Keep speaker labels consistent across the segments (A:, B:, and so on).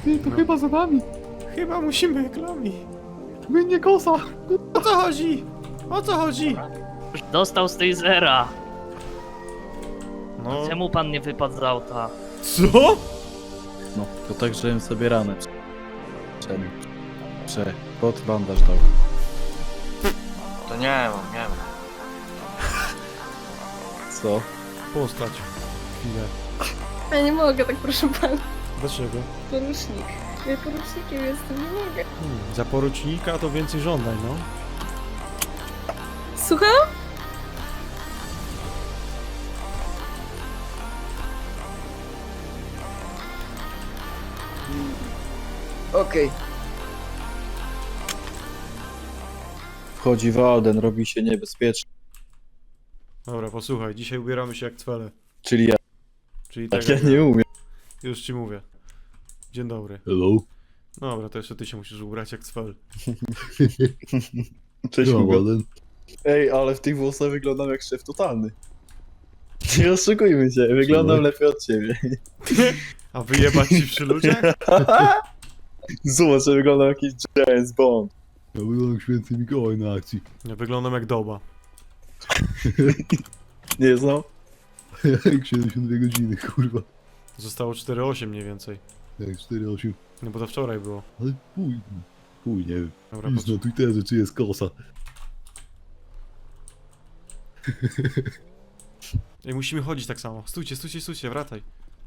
A: Ty, to chyba za nami.
B: Chyba musimy reklamy.
A: Mnie kosa.
B: O co chodzi? O co chodzi?
C: Dostał z tej zera.
B: No.
C: Czemu pan nie wypadł z auta?
B: Co?
A: No, to tak, żebym sobie ranę pod bandaż dał.
D: To nie mam, nie mam.
A: Co?
B: Postać. Chwilę.
E: Ja nie mogę tak, proszę pana.
B: Dlaczego?
E: Porucznik. Ja porucznikiem jestem, nie mogę.
B: Za porucznika to więcej żądań, no.
E: Słucham?
F: Okej.
A: Wchodzi Walden, robi się niebezpieczny.
B: Dobra, posłuchaj, dzisiaj ubieramy się jak cwele.
A: Czyli ja.
B: Czyli
A: Tak,
B: tak
A: ja
B: jak
A: nie umiem.
B: Już ci mówię. Dzień dobry.
A: Hello.
B: Dobra, to jeszcze ty się musisz ubrać jak cwel.
A: Cześć, Walden. Ej, ale w tych włosach wyglądam jak szef totalny. Nie oszukujmy się, wyglądam lepiej od ciebie.
B: A wyjebać ci przy ludziach?
A: Zobacz, że wyglądam jak jakiś James Bond.
G: Ja wyglądam jak święty Mikołaj na akcji.
B: Ja wyglądam jak doba.
A: Nie znam?
G: Jak 72 godziny, kurwa.
B: Zostało 4,8 mniej więcej.
G: Jak 4,8.
B: No bo to wczoraj było.
G: Ale chuj, nie wiem.
B: Dobra,
G: Nic na Twitterze, czy jest kosa.
B: Ej, musimy chodzić tak samo. Stójcie, stójcie, stójcie, wracaj.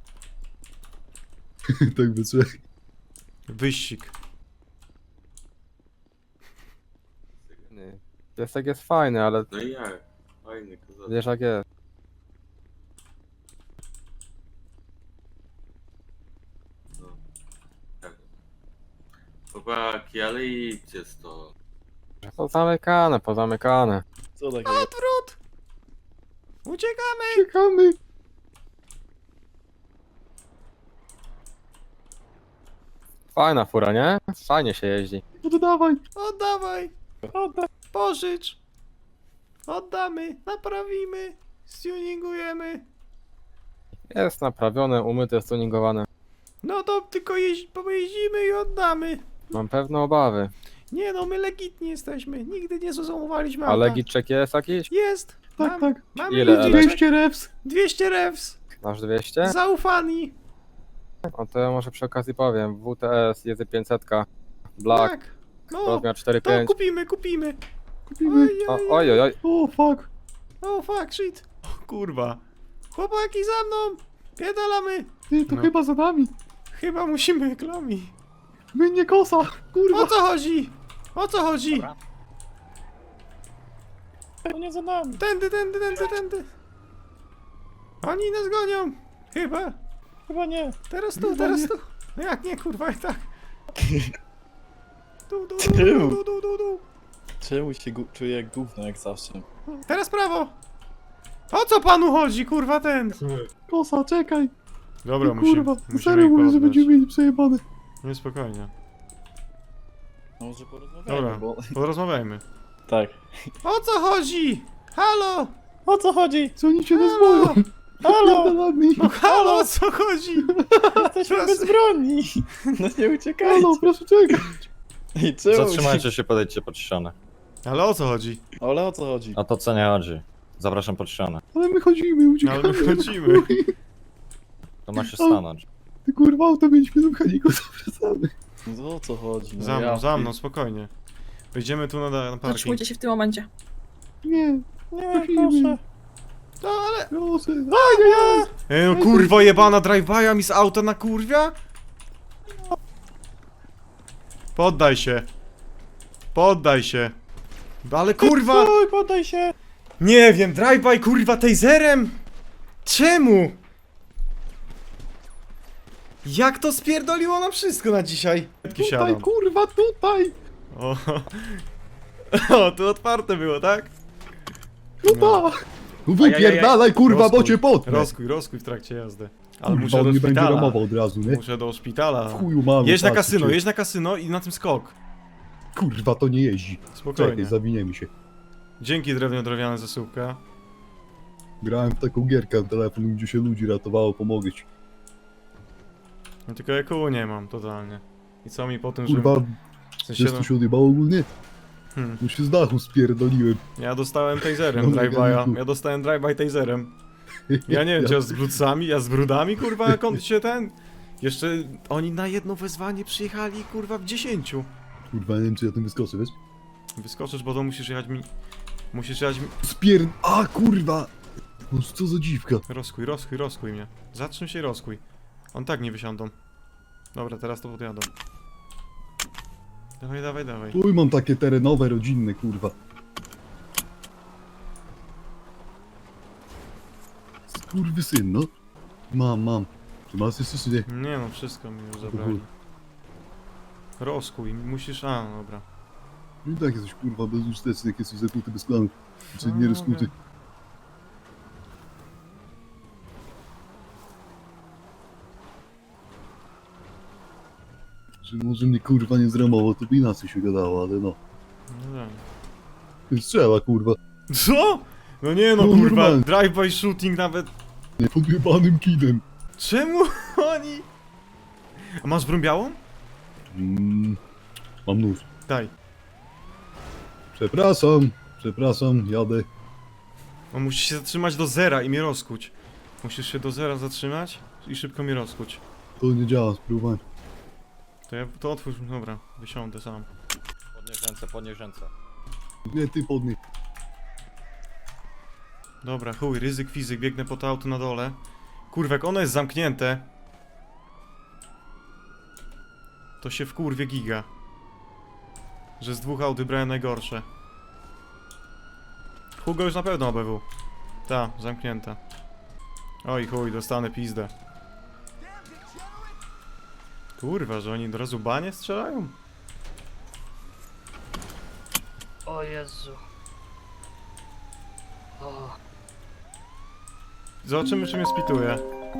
G: Tak by trzeba.
B: Wyścig.
H: Piesek jest fajny, ale
D: No i jak? Fajny kozak.
H: wiesz jak jest.
D: No. Tak. Chłopaki, ale idźcie stąd.
H: Pozamykane, pozamykane.
A: Co takiego?
B: Odwrót! Uciekamy!
A: Czekamy.
H: Fajna fura, nie? Fajnie się jeździ.
A: Oddawaj.
B: Oddawaj! Oddaj! Pożycz! Oddamy! Naprawimy! Stuningujemy!
H: Jest naprawione, umyte, stuningowane.
B: No to tylko pojeździmy i oddamy!
H: Mam pewne obawy.
B: Nie no, my legitni jesteśmy. Nigdy nie zazumowaliśmy
H: A
B: auta.
H: legitczek jest jakiś?
B: Jest!
A: Tak, tak.
B: Mamy
H: Ile,
B: ludzi,
H: ale?
A: 200 reps.
B: 200 revs!
H: Masz 200?
B: Zaufani!
H: No to ja może przy okazji powiem. WTS, jezy 500, Black,
B: Tak! No,
H: rozmiar
B: to
H: 4.5.
B: kupimy, kupimy!
A: Kupimy.
H: Oj, oj, oj.
A: O, fuck.
B: Oh fuck, shit! O, kurwa! Chłopaki za mną! Pierdalamy!
A: Ty, to
B: No.
A: chyba za nami.
B: Chyba musimy reklamy.
A: Mnie kosa. Kurwa.
B: O co chodzi? O co chodzi? To nie za nami. Tędy, tędy, tędy, tędy. Oni nas gonią. Chyba. Chyba nie. Teraz tu, teraz tu. No jak nie, kurwa, jak tak. Tu, tu, tu, tu, tu, tu, tu, tu.
A: Czemu się czuję jak gówno, jak zawsze?
B: Teraz prawo. O co panu chodzi, kurwa, ten?
A: Kosa, czekaj.
B: Dobra,
A: No, kurwa,
B: musimy
A: serio
B: ich
A: mówię, że
B: poddać.
A: będziemy mieli przejebane.
B: Nie, spokojnie.
A: No, może porozmawiajmy,
B: Dobra,
A: bo...
B: porozmawiajmy.
A: Tak.
B: O co chodzi? Halo? O co chodzi?
A: Co oni cię nas
B: Halo?
A: boją?
B: Halo?
A: Pierdolami.
B: No halo, o co chodzi? Jesteśmy bezbronni.
A: No nie uciekajcie. Halo, proszę czekać. Ej, czemu?
I: Zatrzymajcie się, podejdźcie pod ścianę.
B: Ale o co chodzi?
A: Ale o co chodzi?
I: O to co nie chodzi. Zapraszam pod ścianę.
A: Ale my chodzimy, uciekamy.
B: Ale my chodzimy.
I: To ma się stanąć.
A: Ty kurwa, auto mieliśmy do mechaników, zapraszamy. No o co chodzi? No
B: Za mną, spokojnie. Wejdziemy tu na parking.
E: Zatrzymujcie się w tym momencie.
A: Nie,
B: Nie,
A: prosimy.
B: No ale...
A: Proszę.
B: Ej, no kurwo jebana drive-by'a mi z auta na kurwia? Poddaj się. Poddaj się. Ale kurwa...
A: Poddaj się.
B: Nie wiem, drive-by kurwa taserem? Czemu? Jak to spierdoliło na wszystko na dzisiaj?
A: Tutaj, kurwa, tutaj.
B: O, o, tu otwarte było, tak?
A: No tak.
G: Wypierdalaj, kurwa, bo cię potnę.
B: Rozkuj w trakcie jazdy. Ale
G: Kurwa,
B: muszę
G: on
B: do
G: nie będzie
B: szpitala.
G: ramował od razu, nie?
B: Muszę do szpitala.
G: W chuju mamy.
B: Jedź na
G: patrzcie.
B: kasyno, jedź na kasyno i na tym skok.
G: Kurwa, to nie jeździ.
B: Spokojnie.
G: Czekaj, zawiniemy się.
B: Dzięki drewniana zasyłka.
G: Grałem w taką gierkę w telefon, gdzie się ludzi ratowało, pomogę ci.
B: No tylko EQ nie mam totalnie. I co mi po tym, że...
G: Kurwa,
B: W sensie,
G: wiesz
B: no,
G: co się odjebało ogólnie?
B: hmm.
G: No się z dachu spierdoliłem.
B: Ja dostałem taserem
G: No,
B: drive-by'a.
G: mechaniku.
B: Ja dostałem drive-by taserem. Ja nie wiem, czy ja z brudcami, ja z brudami, kurwa, jak on się ten... Jeszcze oni na jedno wezwanie przyjechali, kurwa, w 10.
G: Kurwa, nie wiem czy ja tym wyskoczę, wiesz?
B: Wyskoczysz, bo to musisz jechać mi...
G: A kurwa! No co za dziwka.
B: Rozkuj mnie. Zatrzym się i rozkuj. On tak nie wysiądą. Dobra, teraz to podjadą. Dawaj.
G: Uj, mam takie terenowe, rodzinne, kurwa. Skurwysyn, no. Mam. Czy masz jeszcze czy nie?
B: Nie no, wszystko mi już zabrali. Rozkuj, musisz... A, dobra.
G: No i tak jesteś kurwa bezużyteczny, jak jesteś zakłuty bez planu. Czy nie rozkuty. Że może mnie kurwa nie zramowało, to by inaczej się gadało, ale no.
B: No tak.
G: Strzela kurwa.
B: Co? No nie no,
G: No,
B: kurwa,
G: normalnie.
B: drive-by shooting nawet...
G: Nie podjebanym kidem.
B: Czemu oni... A masz broń białą?
G: Mam nóż.
B: Daj.
G: Przepraszam, jadę.
B: On musi się zatrzymać do zera i mnie rozkuć. Musisz się do zera zatrzymać i szybko mnie rozkuć.
G: To nie działa, spróbuj.
B: To otwórz, dobra, wysiądę sam.
I: Podnieś ręce.
G: Nie, ty podnieś.
B: Dobra, chuj, ryzyk fizyk, biegnę po to auto na dole. Kurwa, jak ono jest zamknięte, to się wkurwie giga. Że z dwóch aut wybrałem najgorsze. Hugo już na pewno OBW. Ta, zamknięta. Oj chuj, dostanę pizdę. Kurwa, że oni od razu banie strzelają?
C: O Jezu. O.
B: Zobaczymy, czy mnie spituje.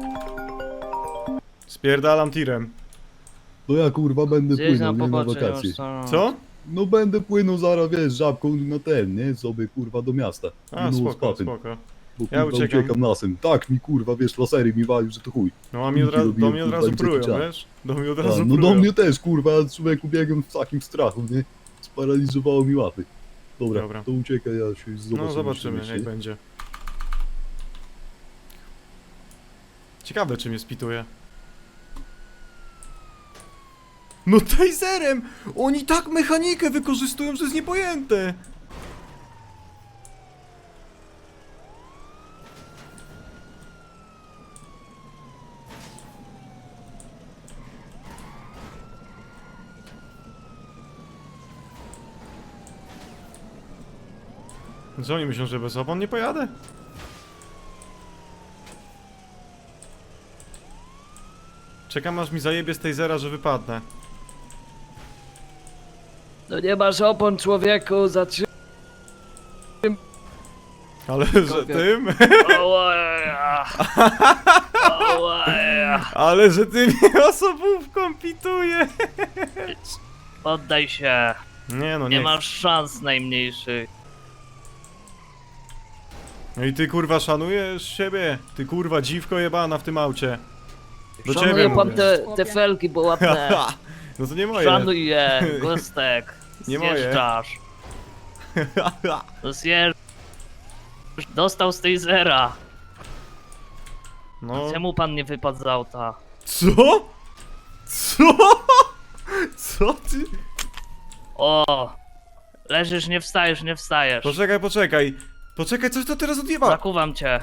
B: Spierdalam tirem.
G: No ja kurwa będę
C: Gdzieś
G: płynął,
C: na
G: nie na
C: pobocze
G: wakacje.
C: już są.
B: Co?
G: No będę płynął zaraz, wiesz, żabką na ten, nie? Sobie kurwa do miasta.
B: A,
G: No,
B: spoko,
G: z papem,
B: spoko.
G: Bo
B: Ja
G: kurwa
B: uciekam.
G: uciekam lasem. Tak mi kurwa, wiesz, lasery mi walił, że to chuj.
B: No a mi
G: Kulki
B: do
G: robiłem,
B: mnie od
G: kurwa,
B: razu
G: im
B: prują,
G: zacięciałem.
B: wiesz? Do mnie od
G: A,
B: razu
G: no
B: prują.
G: do mnie też kurwa, ja człowieku biegłem w takim strachu, nie? Sparaliżowało mi łapy. Dobra,
B: Dobra.
G: to uciekaj, ja się zobaczę.
B: No zobaczymy,
G: jeszcze,
B: jak
G: nie?
B: będzie. Ciekawe, czy mnie spituje. No taserem! Oni tak mechanikę wykorzystują, że jest niepojęte! Co oni myślą, że bez opon nie pojadę? Czekam aż mi zajebie z tasera, że wypadnę.
C: No nie masz opon, człowieku, zatrzymaj.
B: Ale że tym?
C: Ołaja. Ołaja.
B: Ale że ty mnie osobówką pituje!
C: Poddaj się.
B: Nie no,
C: Nie
B: nie.
C: masz szans najmniejszych.
B: No i ty kurwa szanujesz siebie? Ty kurwa dziwko jebana w tym aucie. Do ciebie
C: Szanuję pan
B: mówię.
C: te felki, bo ładne.
B: No to nie moje.
C: Szanuj je, gostek.
B: Nie moje.
C: Zjeżdżasz. No zjeżdżasz. Dostał z tej zera.
B: No.
C: Czemu pan nie wypadł z auta?
B: Co? Co? Co ty?
C: O! Leżysz, nie wstajesz, nie wstajesz.
B: Poczekaj. Poczekaj, coś to teraz odjeba.
C: Zakuwam cię.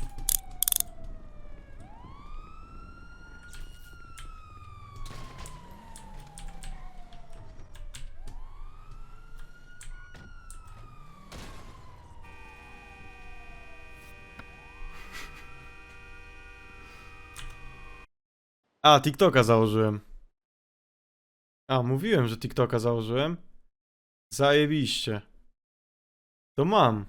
B: A, TikToka założyłem. A, mówiłem, że TikToka założyłem. Zajebiście. To mam.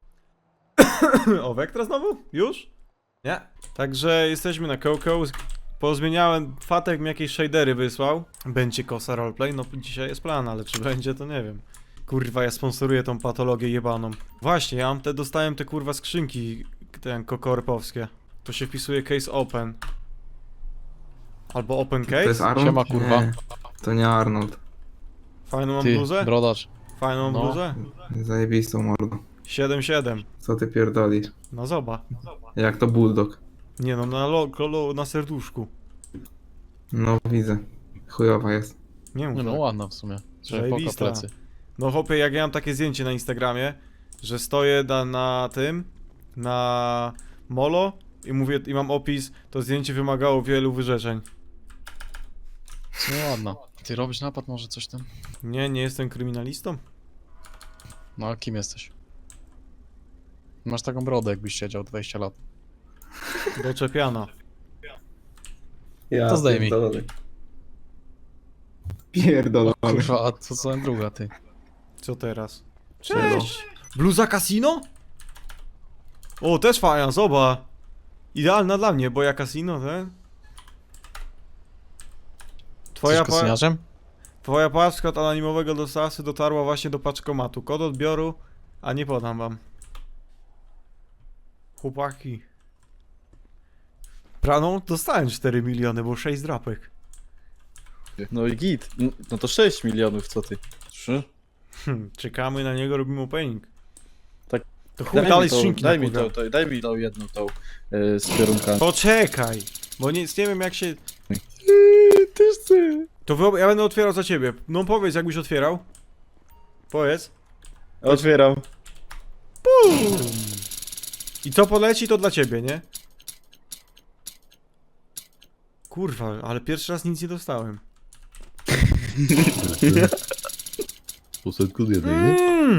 B: O, Vectra znowu? Już? Nie. Także jesteśmy na Coco. Pozmieniałem, Fatek mi jakieś shadery wysłał. Będzie kosa roleplay? No dzisiaj jest plan, ale czy będzie to nie wiem. Kurwa, ja sponsoruję tą patologię jebaną. Właśnie, ja mam dostałem te kurwa skrzynki, ten kokorpowskie. To się wpisuje case open. Albo open
J: To jest
B: case?
J: Arnold?
I: Siema, kurwa.
J: Nie, to nie Arnold.
B: Fajną mam
I: Ty,
B: bluzę?
I: brodacz.
B: Fajną
I: No.
B: bluzę?
J: Zajebistą mordą.
B: 7-7.
J: Co ty pierdolisz?
B: No zoba.
J: Jak to bulldog.
B: Nie no, na serduszku.
J: No widzę. Chujowa jest.
B: Nie mów
I: Nie no,
B: tak.
I: ładna w sumie. Trzeba poka
B: Zajebista.
I: plecy.
B: No chłopie, jak ja mam takie zdjęcie na Instagramie, że stoję na tym, na molo i mówię, i mam opis, to zdjęcie wymagało wielu wyrzeczeń.
I: No ładna. Ty robisz napad może coś tam?
B: Nie jestem kryminalistą.
I: No a kim jesteś? Masz taką brodę jakbyś siedział 20 lat.
B: Doczepiana.
J: Ja
I: To zdejmij.
J: Pierdolony.
I: Kurwa, a co za druga ty?
B: Co teraz? Cześć! Bluza casino? O, też fajna, zobacz. Idealna dla mnie, bo ja casino, ten.
I: Twoja kosiniarzem?
B: Twoja paczka od anonimowego dostawcy dotarła właśnie do paczkomatu. Kod odbioru, a nie podam wam. Chłopaki. Praną dostałem 4 miliony, bo 6 drapek.
A: No i git. No to 6 milionów, co ty? 3?
B: Czekamy na niego, robimy opening.
A: Tak.
B: To chuj dalej skrzynki
A: daj mi
B: napływam.
A: daj mi tą jedną tą z kierunkami.
B: Poczekaj, bo nie wiem jak się...
A: Też chcę.
B: To ja będę otwierał za ciebie. No powiedz, jakbyś otwierał. Powiedz.
A: Otwieram.
B: I co poleci, to dla ciebie, nie? Kurwa, ale pierwszy raz nic nie dostałem.
G: Po setku jednej, nie?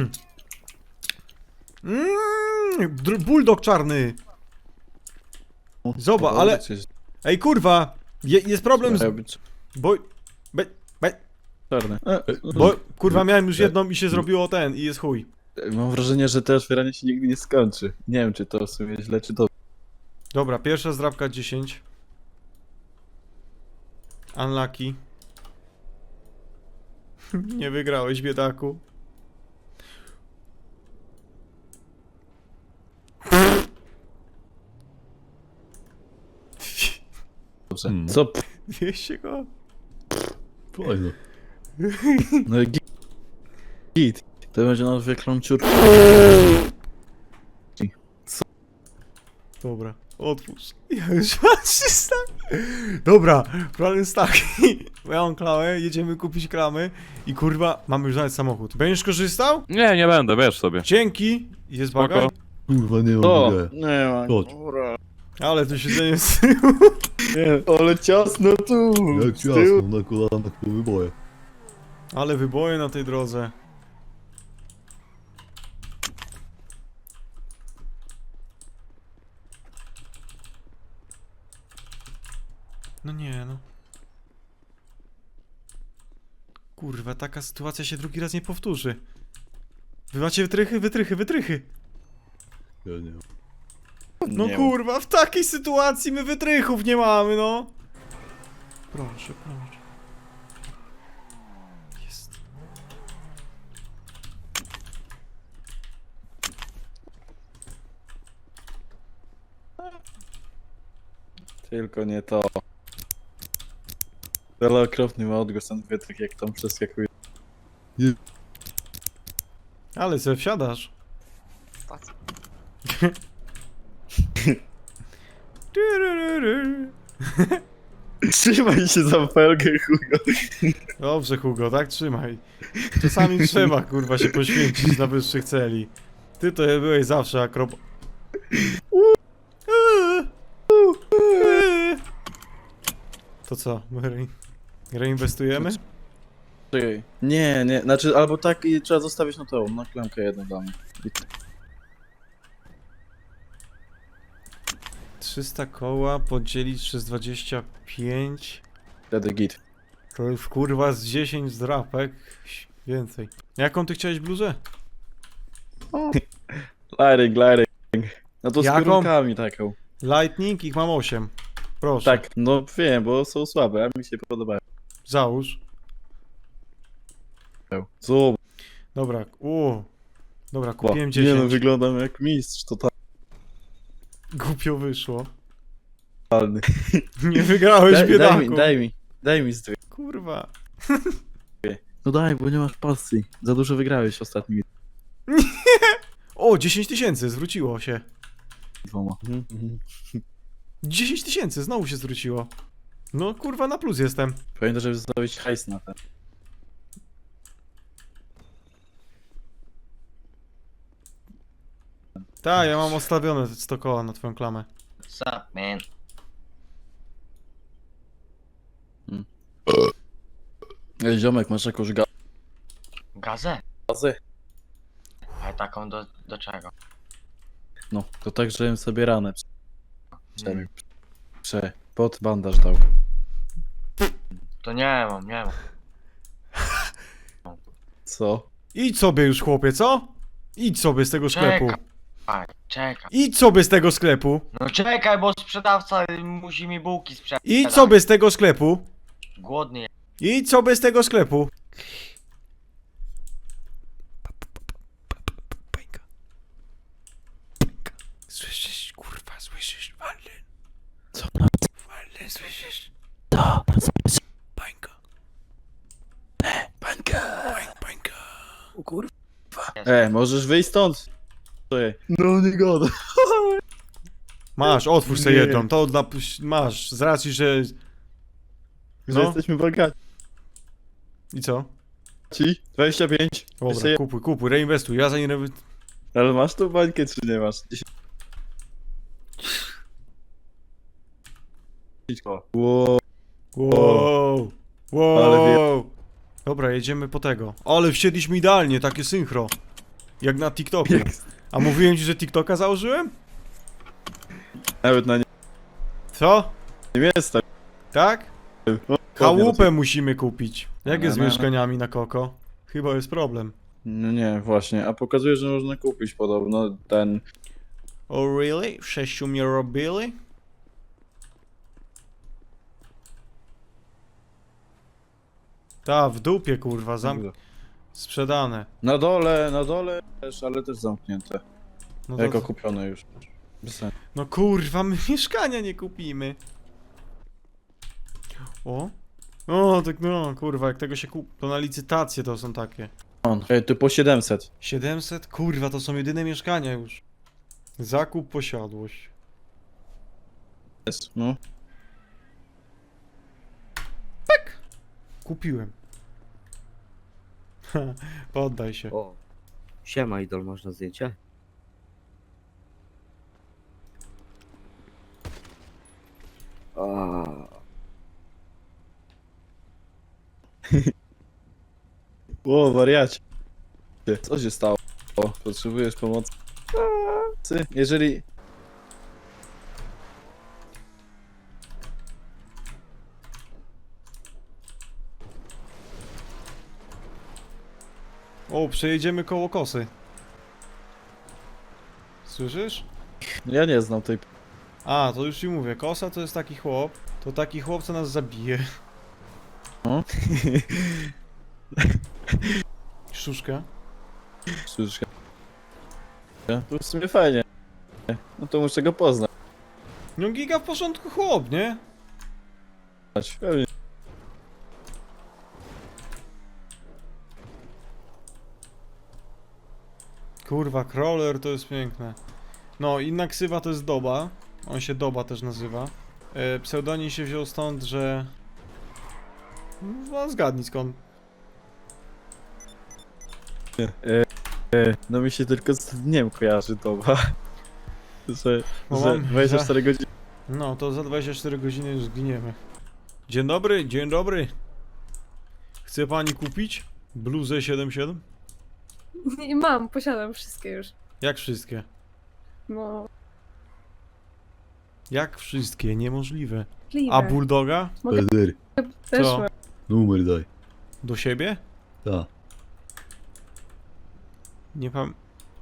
B: Bulldog czarny. Zobacz, ale... Ej, kurwa! Jest problem z... Bo...
A: Czarne.
B: Bo, kurwa, miałem już jedną i się zrobiło ten, i jest chuj.
A: Mam wrażenie, że to otwieranie się nigdy nie skończy. Nie wiem, czy to w sumie źle, czy dobrze.
B: Dobra, pierwsza zdrabka 10. Unlucky. Nie wygrałeś, biedaku.
A: Co?
B: 200 go.
G: Fajno.
A: No i git. To będzie na zwykłą ciurkę.
B: Dobra, otwórz. Ja już mam 300. Dobra, plan jest taki. Ja mam klamę, jedziemy kupić klamy i kurwa, mamy już nawet samochód. Będziesz korzystał?
I: Nie będę, wiesz sobie.
B: Dzięki. Jest
I: Spoko.
B: bagaj.
G: Kurwa, nie mam
A: O!
G: idei.
A: Nie ma.
G: Chodź.
A: Dobra.
B: Ale to siedzenie z
A: Nie, ale ciasno tu.
G: Jak
A: z tyłu.
G: ciasno na kolanach po wyboje.
B: Ale wyboje na tej drodze. No nie, no. Kurwa, taka sytuacja się drugi raz nie powtórzy. Wy macie wytrychy? Wytrychy.
G: Ja nie mam.
B: No
A: Nie
B: kurwa, w takiej sytuacji my wytrychów nie mamy, no. Proszę. Jest.
A: Tylko nie to. Ale okropny ma odgłos ten wytrych, jak tam przeskakuje.
B: Ale se wsiadasz.
A: Trzymaj się za felgę, chujo.
B: Dobrze, Hugo, tak trzymaj. Czasami trzeba, kurwa, się poświęcić na wyższych celi. Ty to byłeś zawsze To co, my reinwestujemy?
A: Czekaj. Nie, znaczy albo tak i trzeba zostawić na tą, na klamkę jedną dla mnie.
B: 300 koła podzielić przez 25.
A: Wtedy git.
B: To już kurwa z 10 zdrapek. Więcej. Jaką ty chciałeś bluzę?
A: Lighting. No to z
B: Jaką?
A: kierunkami taką.
B: Lightning, ich mam 8. Proszę.
A: Tak, no wiem, bo są słabe, a mi się podobają.
B: Załóż.
A: Zobacz.
B: Dobra, dobra, kupiłem 10.
A: Nie no, wyglądam jak mistrz, to tak.
B: Głupio wyszło.
A: totalny.
B: Nie wygrałeś, biedaku.
A: Daj mi zdrowie.
B: Kurwa.
A: No daj, bo nie masz pasji. Za dużo wygrałeś ostatnimi
B: O, 10 000, zwróciło się.
A: dwoma.
B: 10 000, znowu się zwróciło. No kurwa, na plus jestem.
A: Pamiętaj, żeby zostawić hajs na ten.
B: Tak, ja mam odstawione 100 koła na twoją klamę.
C: What's up, man?
A: Ej, ziomek, masz jakąś
C: Gazę?
A: gazę?
C: A taką do czego?
A: No, to tak, żebym sobie ranę pod bandaż dał.
C: To nie mam.
A: Co?
B: Idź sobie już, chłopie, co? Idź sobie z tego sklepu.
C: Czekaj.
B: Idź sobie z tego sklepu.
C: No czekaj, bo sprzedawca musi mi bułki sprzedać.
B: Idź sobie z tego sklepu.
C: Głodny jest.
B: Idź sobie z tego sklepu. Słyszysz, kurwa, słyszysz, Walden?
A: Co?
B: Walden, słyszysz? Bańka. Bańka.
A: O kurwa. Możesz wyjść stąd? No nie goda.
B: Masz, otwórz sobie
A: Nie.
B: jedną, to masz, z racji, że...
A: Że
B: No.
A: jesteśmy bogaci.
B: I co?
A: 25.
B: Dobra,
A: Jeszcze
B: kupuj, reinwestuj, ja za nie...
A: Ale masz tą bańkę, czy nie masz? 10 koła. Wow.
B: Wow. Dobra, jedziemy po tego. Ale wsiedliśmy idealnie, takie synchro. Jak na TikToku. A mówiłem ci, że TikToka założyłem?
A: Nawet na
B: Co?
A: nie jest tak.
B: Tak?
A: O,
B: Chałupę musimy kupić. Jak jest z
A: No.
B: mieszkaniami na Koko? Chyba jest problem.
A: No nie, właśnie. A pokazuje, że można kupić podobno ten...
B: Oh really? 6 mnie robili? Ta, w dupie kurwa, sprzedane.
A: Na dole też, ale też zamknięte.
B: No, to,
A: Jako kupione już. Bez sensu.
B: no kurwa, my mieszkania nie kupimy. O, tak no, kurwa, jak tego się to na licytację to są takie.
A: Ej, tu po 700.
B: 700? Kurwa, to są jedyne mieszkania już. Zakup, posiadłość.
A: Jest, no.
B: Kupiłem. Poddaj się.
F: O, siema idol, można zdjęcie?
A: O, wariacie. Co się stało? Potrzebujesz pomocy? Jeżeli...
B: O, przejedziemy koło kosy. Słyszysz?
A: Ja nie znam tej...
B: A, to już ci mówię, kosa to jest taki chłop. To taki chłop, co nas zabije.
A: O?
B: Sztuczka.
A: Sztuczka. To w sumie fajnie. No to muszę go poznać.
B: No giga w porządku chłop, nie?
A: Pewnie.
B: Kurwa, crawler to jest piękne. No, inna ksywa to jest Doba. On się Doba też nazywa. Pseudonim się wziął stąd, że... No, zgadnij skąd.
A: No mi się tylko z dniem kojarzy doba. Że
B: Bo mam
A: 24 godziny.
B: No, to za 24 godziny już zginiemy. Dzień dobry, dzień dobry. Chce pani kupić bluzę 77?
E: I mam, posiadam wszystkie już.
B: Jak wszystkie?
E: No,
B: Jak wszystkie? Niemożliwe.
E: możliwe.
B: A bulldoga?
E: Mogę
G: Eder,
E: też
B: co?
E: mam.
G: numer daj.
B: Do siebie?
G: Ta.
B: Nie pam...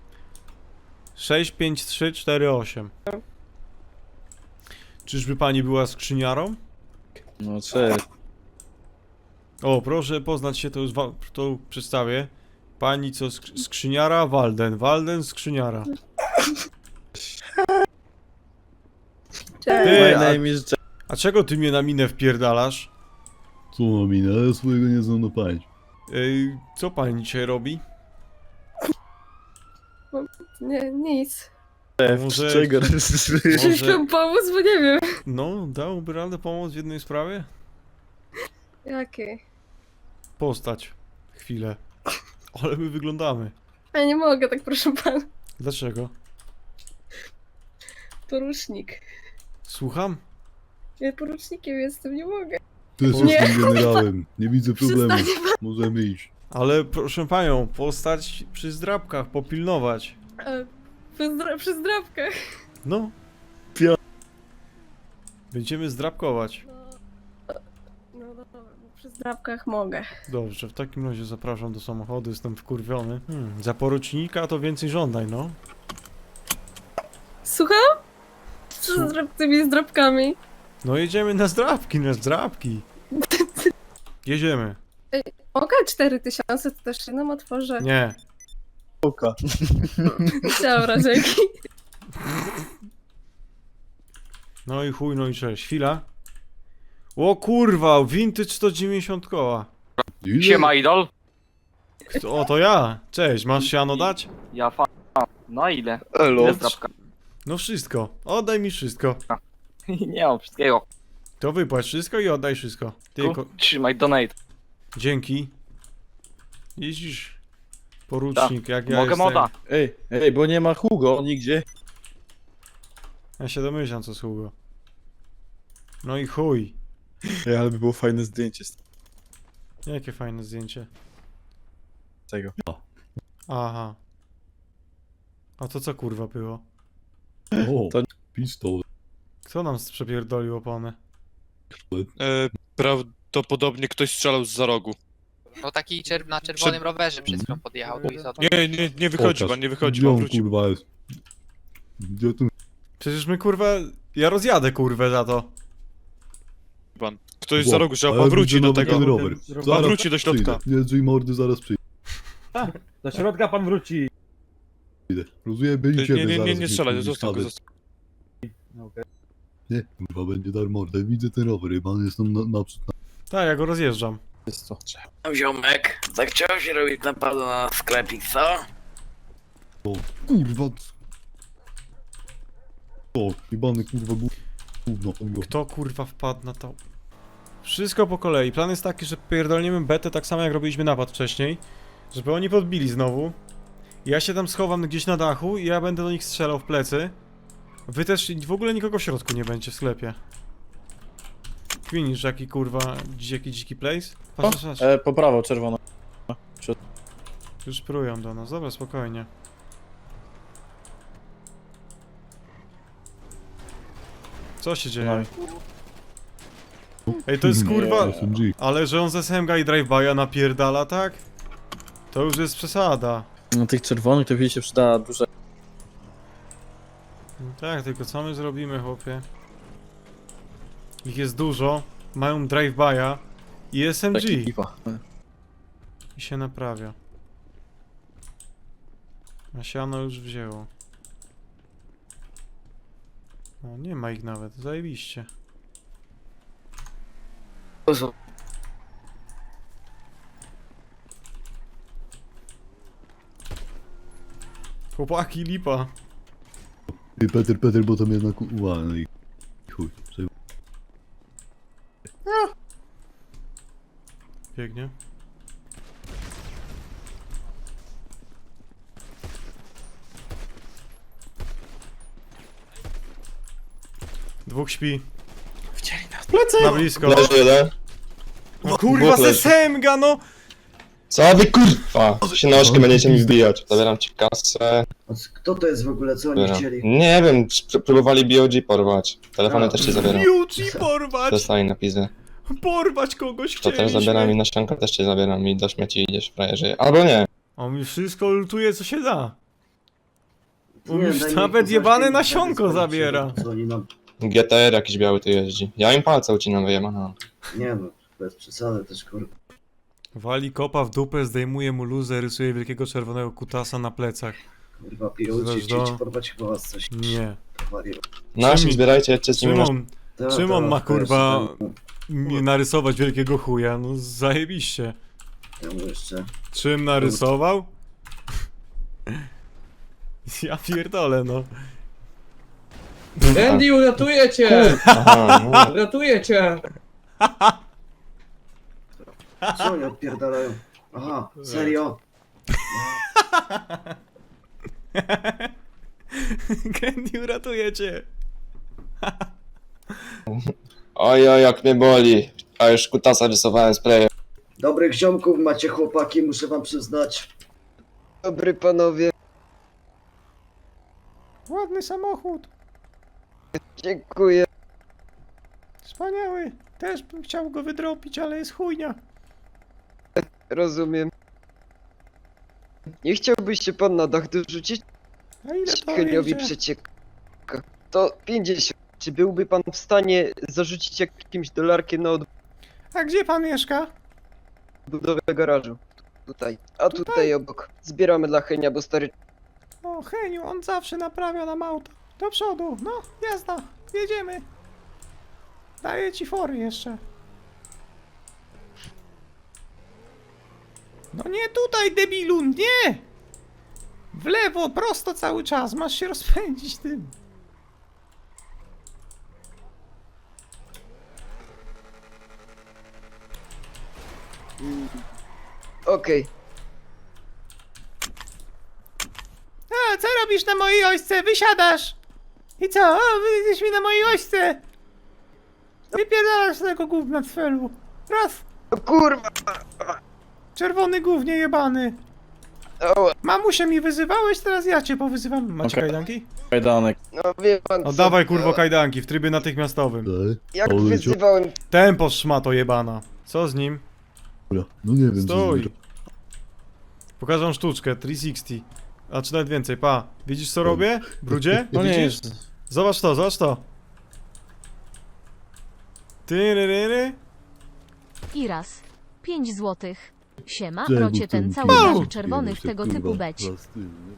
B: 65348. Czyżby pani była skrzyniarą?
A: No cześć.
B: O, proszę poznać się, to już to przedstawię. Pani co, skrzyniara? Walden. Walden, skrzyniara.
E: Cześć.
B: Ty,
A: My Wydaje mi się, że
B: A czego ty mnie na minę wpierdalasz?
G: Co mam minę? Ale ja swojego nie znam na pamięć.
B: Co pani dzisiaj robi?
E: Nie, nic.
B: Może...
A: czego?
E: Chcieliś wam pomóc, bo nie wiem.
B: No, dałby radę pomóc w jednej sprawie?
E: Jakie?
B: Postać. Chwilę. Ale my wyglądamy.
E: Ja nie mogę, tak proszę pana.
B: Dlaczego?
E: Porucznik.
B: Słucham?
E: Ja porucznikiem jestem, nie mogę.
G: Też
E: Nie.
G: jestem generałem. Nie widzę problemu.
E: Przestanie pan.
G: Możemy iść.
B: Ale proszę panią, postać przy zdrabkach, popilnować.
E: Przy zdrabkach.
B: No.
A: Pio-
B: Będziemy zdrabkować.
E: No dobra, bo przy zdrabkach mogę.
B: Dobrze, w takim razie zapraszam do samochodu, jestem wkurwiony. Za porucznika to więcej żądań, no.
E: Słucham? Co z tymi zdrabkami?
B: No jedziemy na zdrabki, na zdrabki. Jedziemy.
E: Mogę 4000, to też się nam otworzę.
B: Nie.
A: Oka.
E: Dobra, dzięki.
B: No i chuj, no i cześć. Chwila. O kurwa, vintage 190 koła.
G: Ile?
C: Siema, idol.
B: O, to ja. Cześć, masz siano dać?
C: Ja fa... No ile?
A: Elo.
C: Ile zdrabka?
B: No wszystko. Oddaj mi wszystko.
C: Nie mam wszystkiego.
B: To wypłać wszystko i oddaj wszystko. Tylko...
C: Trzymaj donate.
B: Dzięki. Jeździsz. Porucznik, jak ja
C: Mogę
B: jestem.
C: moda.
A: Ej, bo nie ma Hugo nigdzie.
B: Ja się domyślam, co sługo. No i chuj.
A: Ej, ale by było fajne zdjęcie z
B: Jakie fajne zdjęcie.
A: tego.
B: Aha. A to co kurwa było?
G: O,
A: To-
G: pistolet.
B: Kto nam przepierdolił opony?
I: Prawdopodobnie ktoś strzelał z za rogu.
K: No taki na czerwonym rowerze przed chwilą podjechał tu i za to.
I: Nie wychodzi
G: Pokaż.
I: pan, nie wychodzi
G: Gdzie
I: pan,
G: on,
I: wróci.
G: kurwa jest? Gdzie tu
B: Przecież my kurwa... Ja rozjadę kurwę za to.
I: Pan. Ktoś za rogu, trzeba
G: A ja
I: pan wróci
G: widzę
I: do
G: nawet
I: tego.
G: ten rower.
I: Pan wróci do środka.
G: Przyjdę. Nie drzwi mordy, zaraz przyjdę.
H: Do środka pan wróci.
G: Rozumiem, byli ciebie
I: Nie
G: zaraz.
I: strzelaj,
G: mi
I: zostaw go,
G: wsadę.
I: zostaw.
G: Nie, kurwa, będzie dar mordę. Widzę ten rower, pan jestem naprzód.
B: Tak, ja go rozjeżdżam.
A: Jest to.
C: Ziomek, zachciał się robić napadu na sklepik, co?
G: Kurwa. O, jebany kurwa gówno.
B: Kto kurwa wpadł na to? Wszystko po kolei. Plan jest taki, że pierdolniemy betę tak samo jak robiliśmy napad wcześniej. Żeby oni podbili znowu. Ja się tam schowam gdzieś na dachu i ja będę do nich strzelał w plecy. Wy też w ogóle nikogo w środku nie będzie w sklepie. Kwinisz jaki kurwa, jaki dziki place? Patrz, patrz.
A: Po prawo, czerwono.
B: Już prują do nas, dobra, spokojnie. Co się dzieje? Ej, to jest kurwa...
G: SMG.
B: Ale że on z SMG i drive-by'a napierdala, tak? To już jest przesada.
A: No tych czerwonych to się przyda dużo.
B: No tak, tylko co my zrobimy, chłopie? Ich jest dużo, mają drive-by'a i SMG.
A: Taki pipa.
B: I się naprawia. A siano już wzięło. No, nie ma ich nawet, zajebiście. Chłopaki, lipa.
G: Ty, Peter, bo tam jednak no i chuj.
B: Biegnie. Dwóch śpi.
A: Wcieli nas. Plecy!
B: Na blisko.
L: Leży jeden.
B: O kurwa,
L: Dwóch leży.
B: sesemga, no!
L: Co wy kurwa? Się na oczkę będziecie mi wbijać. Zabieram ci kasę.
F: Kto to jest w ogóle? Co oni
L: Zabieram.
F: chcieli?
L: Nie wiem, próbowali BOG porwać. Telefony też ci zabieram.
B: Yuji, porwać!
L: Dostali napisy.
B: Porwać kogoś
L: To też
B: chcieliśmy.
L: zabieram i na ściankę też cię zabieram i do śmieci idziesz, frajerze. Albo nie.
B: On mi wszystko lutuje, co się da. On
F: Nie,
B: już
F: daj mi
B: nawet
F: poznać,
B: jebane
F: kiedy
B: nasionko
F: skończy,
B: zabiera.
F: co oni nam-
L: GTR jakiś biały tu jeździ. Ja im palce ucinam wyjebana.
F: Nie no, bez przesady też kurwa.
B: Wali kopa w dupę, zdejmuje mu luzę, rysuje wielkiego czerwonego kutasa na plecach.
F: Kurwa, piruci,
B: Zresztą-
F: chcieli porwać chyba was coś.
B: Nie.
F: Powaliło.
L: Nasi
B: Szymon-
L: zbierajcie, jedźcie z nimi na...
B: Szymon,
F: Ta,
B: Czym
F: ta,
B: on ma,
F: to
B: kurwa,
F: jeszcze tam-
B: nie narysować wielkiego chuja? No zajebiście.
F: Ja mu jeszcze...
B: Czym narysował? Ja pierdolę, no.
J: Andy, uratuję cię!
L: Aha, no.
J: Uratuję cię!
F: Co oni odpierdalają? Aha, serio?
B: Candy, uratuje cię.
L: Oj, jak mnie boli. A już kutasa rysowałem sprayem.
F: Dobrych ziomków macie chłopaki, muszę wam przyznać.
J: Dobry panowie,
B: Ładny samochód.
J: dziękuję.
B: Wspaniały. Też bym chciał go wydropić, ale jest chujnia.
J: Rozumiem. Nie chciałbyś się pan na dach dorzucić?
B: A ile to
J: Heniowi
B: wyjdzie?
J: przecieka. To 50. Czy byłby pan w stanie zarzucić jakimś dolarkiem na
B: A gdzie pan mieszka?
J: odbudowę garażu? Tutaj. A tutaj obok. Zbieramy dla Henia, bo stary...
B: O, Heniu, on zawsze naprawia nam auto. Do przodu, no, jazda, jedziemy. Daję ci fory jeszcze. No nie tutaj, debilu, nie! W lewo, prosto cały czas, masz się rozpędzić tym.
J: Okej.
B: A, co robisz na mojej ośce? Wysiadasz! I co? O, wyjdziesz mi na mojej ośce! Wypierdalasz z tego gówna cfelu. Raz!
J: O kurwa!
B: Czerwony gównie jebany!
J: Ała.
B: Mamusia mi wyzywałeś, teraz ja cię powyzywam. Macie
A: Okej.
B: kajdanki?
A: Kajdanek.
J: No wie pan co...
B: Oddawaj kurwo kajdanki w trybie natychmiastowym.
J: Jak wyzywałem...
B: Tempo szmato jebana. Co z nim?
G: Dobra, no nie wiem.
B: Stój! Pokażę sztuczkę, 360. A czy nawet więcej, pa. Widzisz co robię? Brudzie?
A: No nie
B: Widzisz?
A: jest.
B: Zobacz to, zobacz to. Tyryryry.
E: Iras. 5 złotych. Siema,
G: Czemu
E: rocie ten
G: tu
E: cały
G: kurwa
E: garz
G: się
E: czerwonych
G: się,
E: tego
G: kurwa,
E: typu beć.
G: zastył, nie?